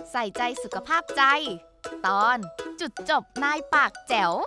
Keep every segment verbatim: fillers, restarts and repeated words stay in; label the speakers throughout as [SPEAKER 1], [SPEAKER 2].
[SPEAKER 1] ใส่ใจสุขภาพใจ ตอนจุดจบนายปากแจ๋ว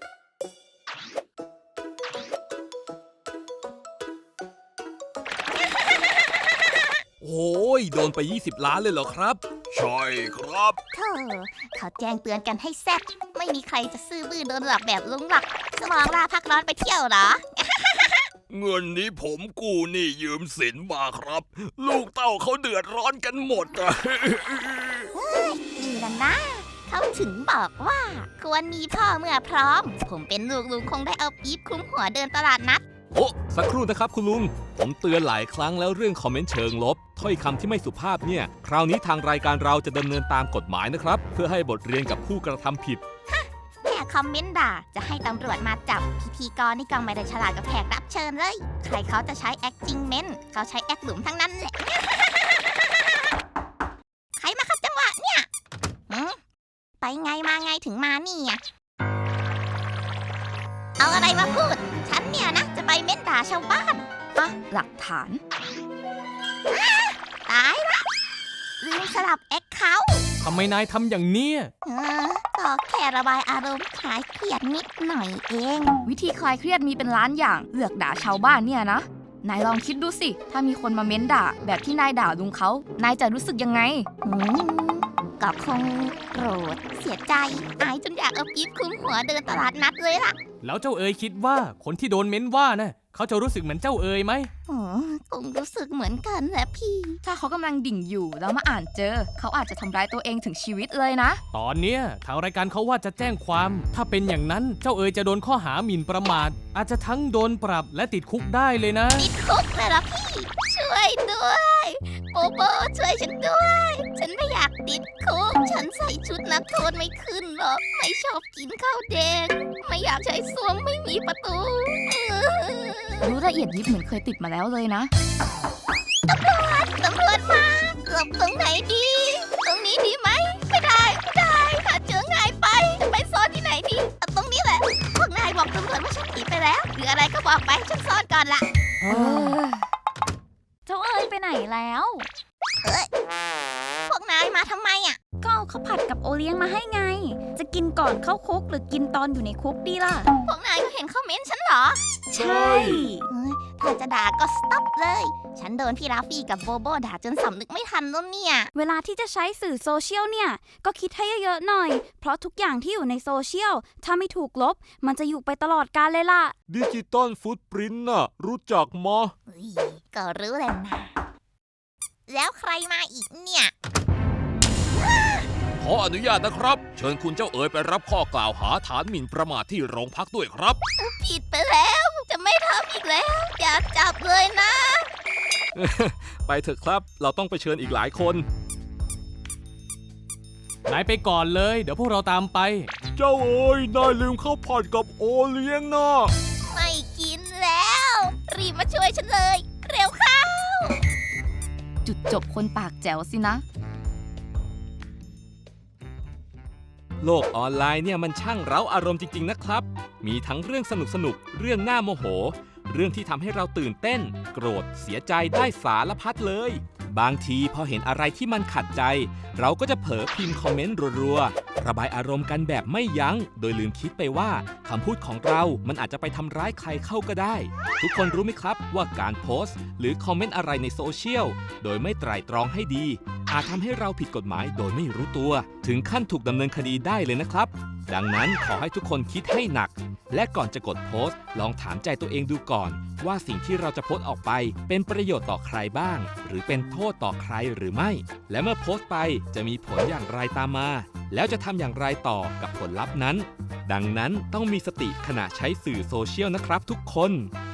[SPEAKER 2] โอ้ยโดนไปยี่สิบล้านเลยเหรอครับใช่ครับ
[SPEAKER 3] เธอเขาแจ้งเตือนกันให้แซ่บไม่มีใครจะซื่อบื้อโดนหลอกแบบลุงหรอกสมองลาพักร้อนไปเที่ยวเหรอ
[SPEAKER 2] เงินนี้ผมกู้หนี้ยืมสินมาครับ ลูกเต้าเขาเดือดร้อนกันหมดอะ
[SPEAKER 3] นี่นะนะเขาถึงบอกว่าควรมีพ่อเมื่อพร้อม ผมเป็นลูกลุงคงได้เอาปี๊บคลุ้มหัวเดินตลาดนัด
[SPEAKER 2] โอ้สักครู่นะครับคุณลุงผมเตือนหลายครั้งแล้วเรื่องคอมเมนต์เชิงลบถ้อยคำที่ไม่สุภาพเนี่ยคราวนี้ทางรายการเราจะดำเนินตามกฎหมายนะครับเพื่อให้บทเรียนกับผู้กระทำผิด
[SPEAKER 3] แค่คอมเมนต์ด่าจะให้ตำรวจมาจับพิธีกรนี่ก็ไม่ได้ฉลาดกับแขกรับเชิญเลยใครเขาจะใช้แอคจริงเมนเขาใช้แอคหลุมทั้งนั้นแหละ ใครมาขัดจังหวะเนี่ยไปไงมาไงถึงมานี่อ่ะเอาอะไรมาพูดฉันเนี่ยนะจะไปเม้นด่าชาวบ้าน
[SPEAKER 1] อ่ะหลักฐาน
[SPEAKER 3] ตายละลืมสลับแอคเคาท์
[SPEAKER 4] ทำไมนายทำอย่างเนี้ย
[SPEAKER 3] เออก็แค่ระบายอารมณ์คลายเครียดนิดหน่อยเอง
[SPEAKER 1] วิธีคลายเครียดมีเป็นล้านอย่างเลือกด่าชาวบ้านเนี่ยนะนายลองคิดดูสิถ้ามีคนมาเม้นด่าแบบที่นายด่าลุงเขานายจะรู้สึกยังไง
[SPEAKER 3] อืมก็คงโกรธเสียใจอายจนอยากเอาปี๊บคลุ้มหัวเดินตลาดนัดเลยล่ะ
[SPEAKER 4] แล้วเจ้าเอ๋ยคิดว่าคนที่โดนเม้นว่าน่ะเขาจะรู้สึกเหมือนเจ้าเอ๋ยไหม
[SPEAKER 3] อ๋อคงรู้สึกเหมือนกันแหละพี่
[SPEAKER 1] ถ้าเขากำลังดิ่งอยู่แล้วมาอ่านเจอเขาอาจจะทำร้ายตัวเองถึงชีวิตเลยนะ
[SPEAKER 4] ตอนเนี้ยทางรายการเขาว่าจะแจ้งความ ถ้าเป็นอย่างนั้นเจ้าเอ๋ยจะโดนข้อหาหมิ่นประมาทอาจจะทั้งโดนปรับและติดคุกได้เลยนะ
[SPEAKER 3] ติดคุกเลยเหรอพี่ช่วยด้วยโบโบช่วยฉันด้วยฉันไม่อยากติดคุกฉันใส่ชุดนักโทษไม่ขึ้นหรอกไม่ชอบกินข้าวแดงไม่อยากใช้ส้วมไม่มีประตู
[SPEAKER 1] รู้ละเอียดยิบเหมือนเคยติดมาแล้วเลยนะ
[SPEAKER 3] ตำรวจตำรวจมาหลบตรงไหนดีตรงนี้ดีไหมไม่ได้ไม่ได้หาเจอง่ายไปจะไปซ่อนที่ไหนดีเอาตรงนี้แหละพวกนายบอกตำรวจว่าฉันหนีไปแล้วหรืออะไรก็บอกไปฉันซ่อนก่อนละ
[SPEAKER 1] เจ้าเอ๋ยไปไหนแล้ว
[SPEAKER 3] เอ้ยพวกนายมาทำไมอ่ะ
[SPEAKER 5] ก็เอาข้าวผัดกับโอเลี้ยงมาให้ไงจะกินก่อนเข้าคุกหรือกินตอนอยู่ในคุกดีล่ะ
[SPEAKER 3] พวกนายก็เห็นคอมเมนต์ฉันเหรอ
[SPEAKER 5] ใช่
[SPEAKER 3] ถ้าจะด่าก็สต็อปเลยฉันโดนพี่ราฟี่กับโบโบด่าจนสำนึกไม่ทันแล้วเนี่ย
[SPEAKER 5] เวลาที่จะใช้สื่อโซเชียลเนี่ยก็คิดให้เยอะๆหน่อยเพราะทุกอย่างที่อยู่ในโซเชียลถ้าไม่ถูกลบมันจะอยู่ไปตลอดกาลเลยล่ะ
[SPEAKER 2] ดิจิตอลฟุตปรินท์น่ะรู้จักมะ
[SPEAKER 3] ก็รู้แหละนะแล้วใครมาอีกเนี่ย
[SPEAKER 2] ขออนุญาตนะครับเชิญคุณเจ้าเอ๋ยไปรับข้อกล่าวหาฐานหมิ่นประมาทที่โรงพักด้วยครับ
[SPEAKER 3] ผิดไปแล้วจะไม่ทำอีกแล้วอย่าจับเลยนะ
[SPEAKER 2] ไปเถอะครับเราต้องไปเชิญอีกหลายคน
[SPEAKER 4] นายไปก่อนเลยเดี๋ยวพวกเราตามไป
[SPEAKER 2] เจ้าเอ๋ยนายลืมข้าวผัดกับโอเลี้ยงนะ
[SPEAKER 3] ไม่กินแล้วรีบมาช่วยฉันเลยเร็วเข้า
[SPEAKER 1] จุดจบคนปากแจ๋วสินะ
[SPEAKER 2] โลกออนไลน์เนี่ยมันช่างเร้าอารมณ์จริงๆนะครับมีทั้งเรื่องสนุกสนุกเรื่องน่าโมโหเรื่องที่ทำให้เราตื่นเต้นโกรธเสียใจได้สารพัดเลยบางทีพอเห็นอะไรที่มันขัดใจเราก็จะเผลอพิมพ์คอมเมนต์รัวๆระบายอารมณ์กันแบบไม่ยั้งโดยลืมคิดไปว่าคำพูดของเรามันอาจจะไปทำร้ายใครเข้าก็ได้ทุกคนรู้ไหมครับว่าการโพสต์หรือคอมเมนต์อะไรในโซเชียลโดยไม่ไตร่ตรองให้ดีอาจทำให้เราผิดกฎหมายโดยไม่รู้ตัวถึงขั้นถูกดำเนินคดีได้เลยนะครับดังนั้นขอให้ทุกคนคิดให้หนักและก่อนจะกดโพสต์ลองถามใจตัวเองดูก่อนว่าสิ่งที่เราจะโพสต์ออกไปเป็นประโยชน์ต่อใครบ้างหรือเป็นโทษต่อใครหรือไม่และเมื่อโพสต์ไปจะมีผลอย่างไรตามมาแล้วจะทำอย่างไรต่อกับผลลัพธ์นั้นดังนั้นต้องมีสติขณะใช้สื่อโซเชียลนะครับทุกคน